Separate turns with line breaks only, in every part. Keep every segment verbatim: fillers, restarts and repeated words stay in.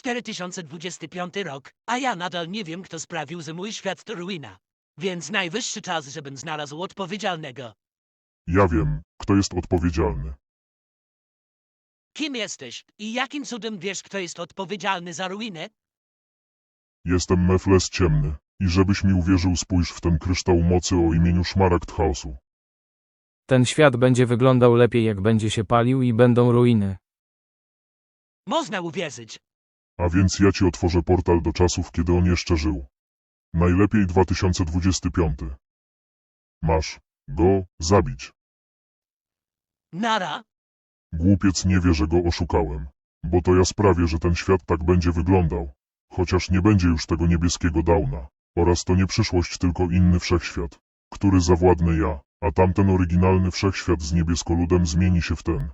cztery tysiące dwudziesty piąty rok, a ja nadal nie wiem, kto sprawił, że mój świat to ruina. Więc najwyższy czas, żebym znalazł odpowiedzialnego.
Ja wiem, kto jest odpowiedzialny.
Kim jesteś i jakim cudem wiesz, kto jest odpowiedzialny za ruinę?
Jestem Mefles Ciemny. I żebyś mi uwierzył, spójrz w ten kryształ mocy o imieniu Szmaragd Chaosu.
Ten świat będzie wyglądał lepiej, jak będzie się palił i będą ruiny.
Można uwierzyć.
A więc ja ci otworzę portal do czasów, kiedy on jeszcze żył. Najlepiej dwa tysiące dwudziesty piąty. Masz go zabić.
Nara.
Głupiec nie wie, że go oszukałem. Bo to ja sprawię, że ten świat tak będzie wyglądał. Chociaż nie będzie już tego niebieskiego Downa. Oraz to nie przyszłość, tylko inny wszechświat, który zawładnę ja, a tamten oryginalny wszechświat z niebiesko-ludem zmieni się w ten.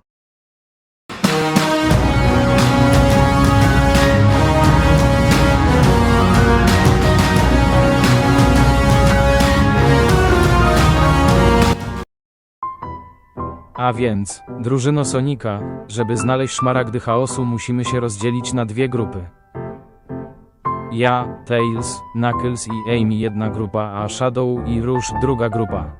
A więc, drużyno Sonika, żeby znaleźć szmaragdy chaosu, musimy się rozdzielić na dwie grupy. Ja, Tails, Knuckles i Amy jedna grupa, a Shadow i Rouge druga grupa.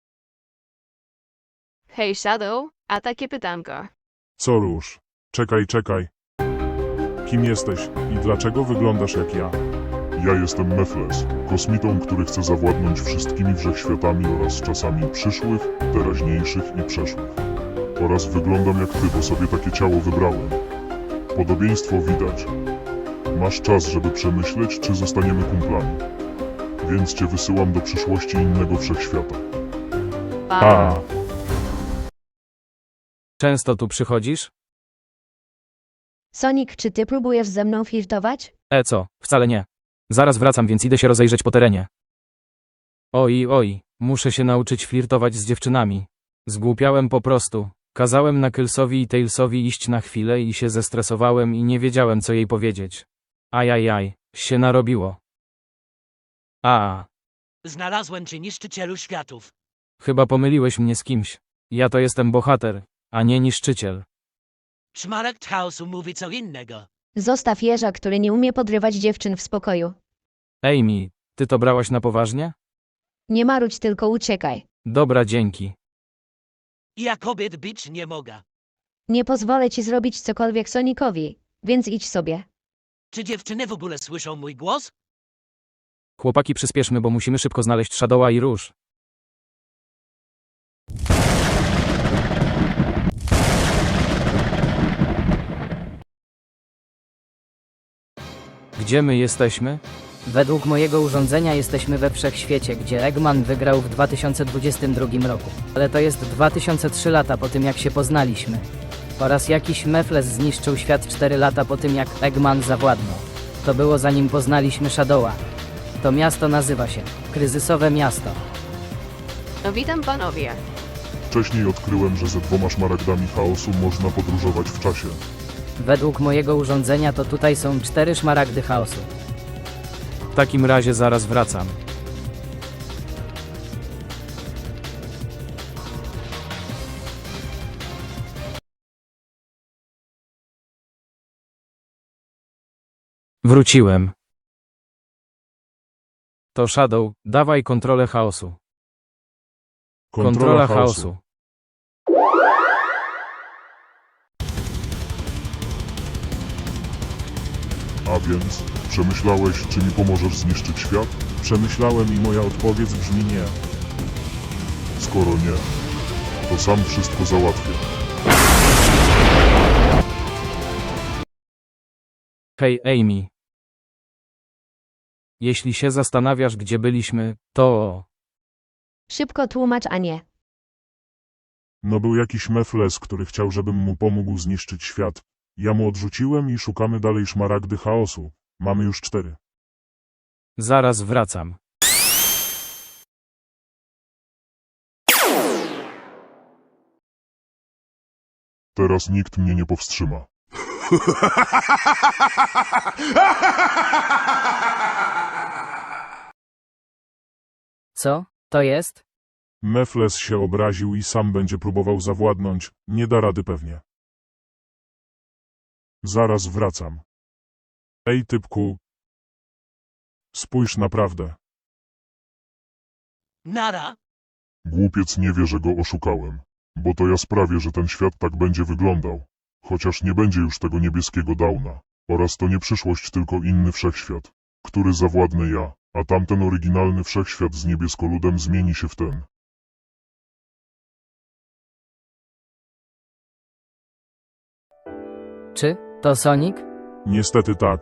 Hej Shadow, a takie pytanko.
Co Róż? Czekaj, czekaj. Kim jesteś i dlaczego wyglądasz jak ja?
Ja jestem Mefles, kosmitą, który chce zawładnąć wszystkimi wszechświatami oraz czasami przyszłych, teraźniejszych i przeszłych. Oraz wyglądam jak ty, bo sobie takie ciało wybrałem. Podobieństwo widać. Masz czas, żeby przemyśleć, czy zostaniemy kumplami. Więc cię wysyłam do przyszłości innego wszechświata.
A,
Często tu przychodzisz?
Sonic, czy ty próbujesz ze mną flirtować?
E co, wcale nie. Zaraz wracam, więc idę się rozejrzeć po terenie. Oj, oj, muszę się nauczyć flirtować z dziewczynami. Zgłupiałem po prostu. Kazałem Knucklesowi i Tailsowi iść na chwilę i się zestresowałem i nie wiedziałem, co jej powiedzieć. Ajajaj, się narobiło. A,
Znalazłem cię, niszczycielu światów.
chyba pomyliłeś mnie z kimś. Ja to jestem bohater, a nie niszczyciel.
Szmaragd chaosu mówi co innego.
Zostaw jeża, który nie umie podrywać dziewczyn w spokoju.
Amy, ty to brałaś na poważnie?
Nie marudź, tylko uciekaj.
Dobra, dzięki.
Ja kobiet bić nie mogę.
Nie pozwolę ci zrobić cokolwiek Sonicowi, więc idź sobie.
Czy dziewczyny w ogóle słyszą mój głos?
Chłopaki, przyspieszmy, bo musimy szybko znaleźć Shadowa i Rouge. Gdzie my jesteśmy?
Według mojego urządzenia jesteśmy we wszechświecie, gdzie Eggman wygrał w dwa tysiące dwudziestym drugim roku. Ale to jest dwa tysiące trzy lata po tym, jak się poznaliśmy. Oraz jakiś Mefles zniszczył świat cztery lata po tym, jak Eggman zawładnął. To było zanim poznaliśmy Shadowa. To miasto nazywa się Kryzysowe Miasto.
No witam panowie.
Wcześniej odkryłem, że ze dwoma szmaragdami chaosu można podróżować w czasie.
Według mojego urządzenia to tutaj są cztery szmaragdy chaosu.
W takim razie zaraz wracam. Wróciłem. To Shadow, dawaj kontrolę chaosu. Kontrola chaosu.
A więc, przemyślałeś, czy mi pomożesz zniszczyć świat?
Przemyślałem i moja odpowiedź brzmi nie.
Skoro nie, to sam wszystko załatwię.
Hej, Amy. Jeśli się zastanawiasz, gdzie byliśmy, to...
Szybko tłumacz, a nie.
No był jakiś Mefles, który chciał, żebym mu pomógł zniszczyć świat. Ja mu odrzuciłem i szukamy dalej szmaragdy chaosu. Mamy już cztery.
Zaraz wracam.
Teraz nikt mnie nie powstrzyma.
Co? To jest?
Mefles się obraził i sam będzie próbował zawładnąć. Nie da rady pewnie.
Zaraz wracam.
Ej typku. Spójrz naprawdę.
Nara.
Głupiec nie wie, że go oszukałem. Bo to ja sprawię, że ten świat tak będzie wyglądał. Chociaż nie będzie już tego niebieskiego Downa. Oraz to nie przyszłość, tylko inny wszechświat, który zawładnę ja, a tamten oryginalny wszechświat z niebiesko-ludem zmieni się w ten.
Czy to Sonic?
Niestety tak.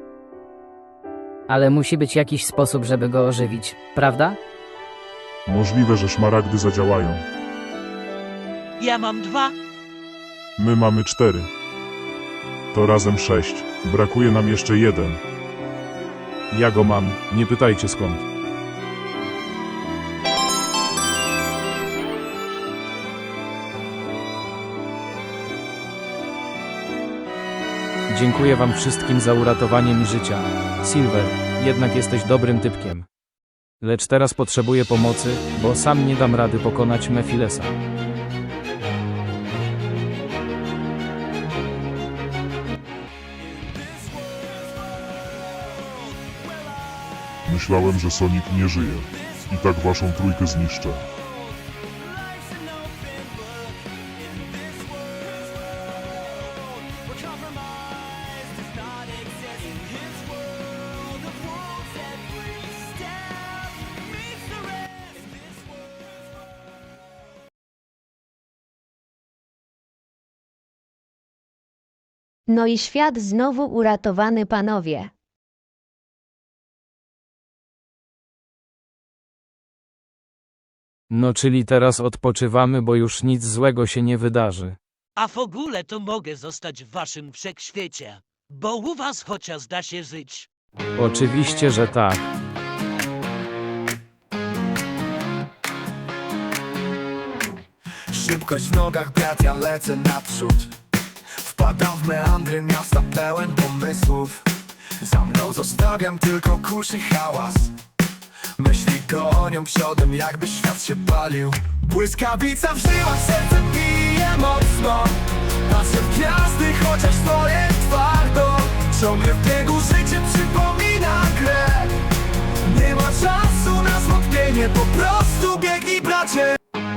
Ale musi być jakiś sposób, żeby go ożywić, prawda?
Możliwe, że szmaragdy zadziałają.
Ja mam dwa.
My mamy cztery. To razem sześć. Brakuje nam jeszcze jeden. Ja go mam, nie pytajcie skąd.
Dziękuję wam wszystkim za uratowanie mi życia. Silver, jednak jesteś dobrym typkiem. Lecz teraz potrzebuję pomocy, bo sam nie dam rady pokonać Mephilesa.
Myślałem, że Sonic nie żyje. I tak waszą trójkę zniszczę.
No i świat znowu uratowany, panowie.
No czyli teraz odpoczywamy, bo już nic złego się nie wydarzy.
A w ogóle to mogę zostać w waszym wszechświecie. Bo u was chociaż da się żyć.
Oczywiście, że tak.
Szybkość w nogach, brat, ja lecę naprzód. Wpadam w meandry miasta pełen pomysłów. Za mną zostawiam tylko kuszy hałas. Myśli gonią przodem, jakby świat się palił. Błyskawica w żyłach, serce bije mocno. Patrzę w gwiazdy, chociaż stoję twardo. Ciągle w biegu życie przypomina grę. Nie ma czasu na zwątpienie, po prostu biegnij, bracie.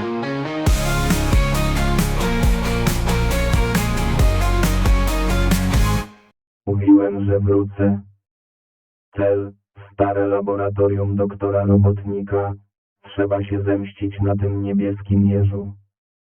Mówiłem, że wrócę. Cel, stare laboratorium doktora Robotnika. Trzeba się zemścić na tym niebieskim jeżu.